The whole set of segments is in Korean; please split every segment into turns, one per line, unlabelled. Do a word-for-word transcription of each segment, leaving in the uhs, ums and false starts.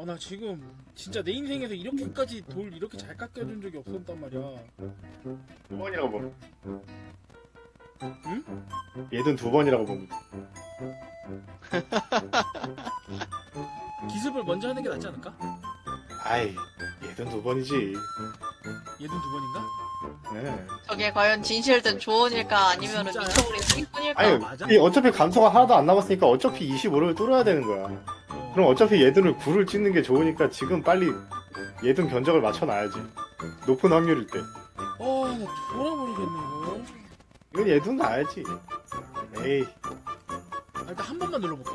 어, 나 지금 진짜 내 인생에서 이렇게까지 돌 이렇게 잘 깎여준 적이 없었단 말이야.
두 번이라고 봅니다.
응?
얘든 두 번이라고 봅니다.
기습을 먼저 하는 게 낫지 않을까?
아이, 얘든 두 번이지.
얘는 두 번인가?
네.
저게 과연 진실된 조언일까 아니면
진짜야?
미쳐버린 사기꾼일까?
아니,
맞아?
이 어차피 감소가 하나도 안 남았으니까 어차피 이십오를 뚫어야 되는 거야.
어.
그럼 어차피 얘들을 구를 찍는 게 좋으니까 지금 빨리 얘든 견적을 맞춰놔야지. 높은 확률일 때.
어, 나 돌아버리겠네 이거.
이건 얘든 가야지. 에이.
아, 일단 한 번만 눌러볼게.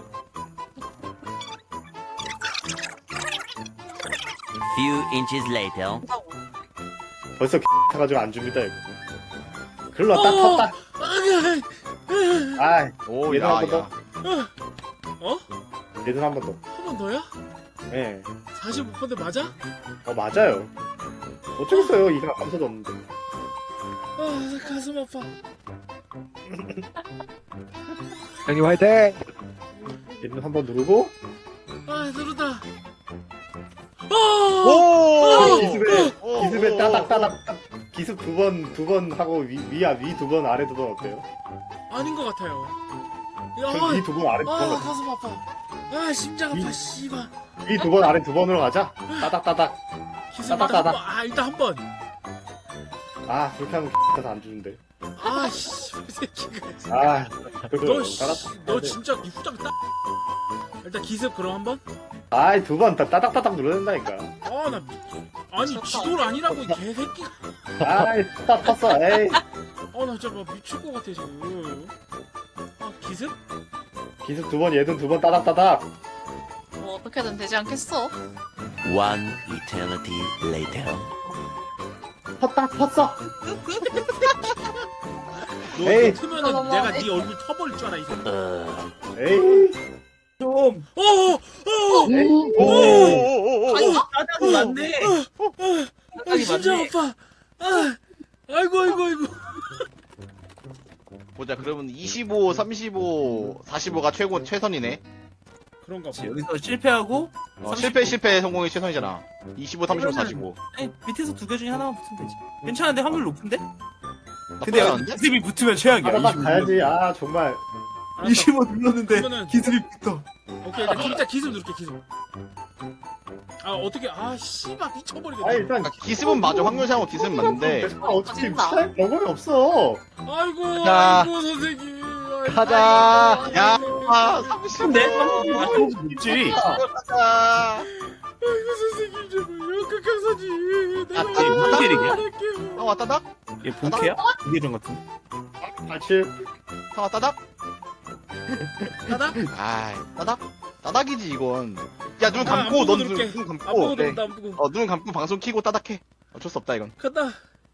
Few inches later.
벌써 타가지고 안 줍니다, 이거. 글러 딱
어!
탔다. 아이,
오,
얘도
야,
한번 더.
야.
어?
얘든 한 번 더.
한 번 더야?
예.
사십오 퍼센트 맞아?
어, 맞아요. 어쩌겠어요, 이상 감소도 없는데.
아, 나 가슴 아파.
형님 화이팅!
얘든 한 번 누르고,
아, 누르다. 어!
오!
기습에,
오!
기습에
오!
따닥따닥, 기습 두 번, 두 번 하고, 위, 위야, 위 두 번, 아래 두 번 어때요?
아닌 것 같아요. 야,
전 위 두 번, 아래 두
아,
번,
아,
같아.
가슴 아파. 아, 심장 아파, 씨발.
위 두 번, 아래 두 번으로 가자. 따닥따닥.
기습 일단 한
따닥따닥.
번. 아, 일단 한 번.
아, 그렇게 하면 X가 안 주는데.
아, 씨, 이 새끼가.
아, 그래도
너, 씨,
따닥.
너 진짜 이 후딱 따. 일단 기습 그럼 한 번.
아이, 두 번, 다 따닥따닥 눌러야 된다니까.
아, 나 미... 아니 지돌 아니라고 이 개새끼가.
아이, 타 탔어, 에이.
아, 나 진짜 막 미칠 것 같아 지금. 아, 기습?
기습 두 번, 얘든 두 번 따닥따닥.
뭐 어떻게든 되지 않겠어?
One eternity later.
탔다, 탔어.
너
에이.
이거 트면은
너무
내가
너무하네.
네 얼굴 쳐버릴 줄 알아 이 새끼.
Uh,
에이.
좀!
어, 어, 어,
에이.
오!
오.
오! 오! 오!
아닌가?
짜장이 맞네!
아,
짜장이
심장
맞네!
아파. 아, 아이고 아이고 아이고.
보자, 그러면 이십오, 삼십오, 사십오가 최고, 최선이네.
그런가 봐.
그치, 여기서 실패하고
어,
삼십
실패, 실패, 성공이 최선이잖아. 이십오, 삼십오, 사십오.
아니, 밑에서 두 개 중에 하나만 붙으면 되지. 괜찮은데 확률 높은데? 근데
나쁘지
여기
않은데?
기습이 붙으면 최악이야.
따닥따닥
이십오
가야지. 아, 정말.
알았어.
이십오 눌렀는데
그러면은-
기습이 붙어.
오케이, 일단 진짜 기습 누를게 기습. 아, 어떻게? 아, 씨발 미쳐버리겠네.
아, 일단.
그러니까 기습은 맞아. 확률상으로 기습은 맞는데.
아, 어차피
진짜.
피할 방법이 없어.
아이고
가자.
아이고 선생님. 아이고,
가자.
아이고,
야,
아이고,
아, 삼십오.
내 삼십오 있지.
가자.
아이고 선생님 제발요 극강사지. 내가
아,
이게 무슨 일이냐?
할게요.
아, 왔다, 닥?
얘 본캐야? 이계정 같은데.
사실.
상아, 따닥?
따닥?
아이, 따닥? 따닥이지, 이건. 야, 눈
아,
감고,
안
넌
보고
눈,
누를게.
눈
안 보고
감고. 네.
누른다 안 보고.
어, 눈 감고 방송 키고 따닥해. 어쩔 수 없다, 이건.
간다.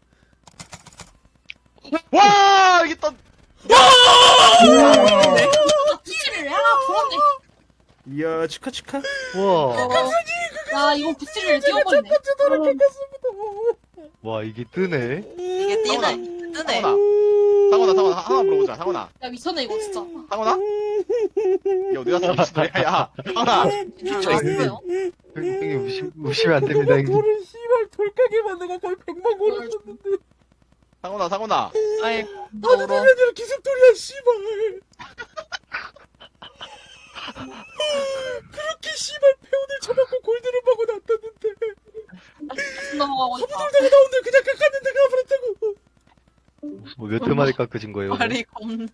와! 이게 또.
구찌를 야 부럽네.
이야 축하 축하.
와,
야 이거 구찌를 띄워버리네.
와 이게 뜨네.
이게 뛰네. 뜨네.
상원아. 상원아, 상원아, 하나 물어보자, 상원아.
야 미쳤네 이거 진짜.
상원아? 야, 어디 갔어, 미친놈이야, 야. 상원아.
진짜 있어요.
형님 무시, 무시면 안 됩니다, 형님.
돌을 씨발 돌가게만 내가 거의 백만 고를 썼는데.
상원아, 상원아.
아이
아니
울어.
얘들 기습돌이야 씨발. 그렇게 씨발 페온을 쳐먹고 골드를 먹고 났다는데.
넘어가고 있다.
내가 나온데 그냥 깎았는데 가버렸다고.
뭐 몇 회 만에 깎으신 거예요?
말이 겁나.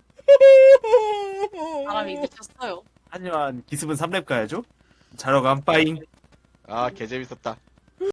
사람이 미쳤어요.
하지만 기습은 삼 렙 가야죠. 자러 간 빠잉.
아, 개 재밌었다.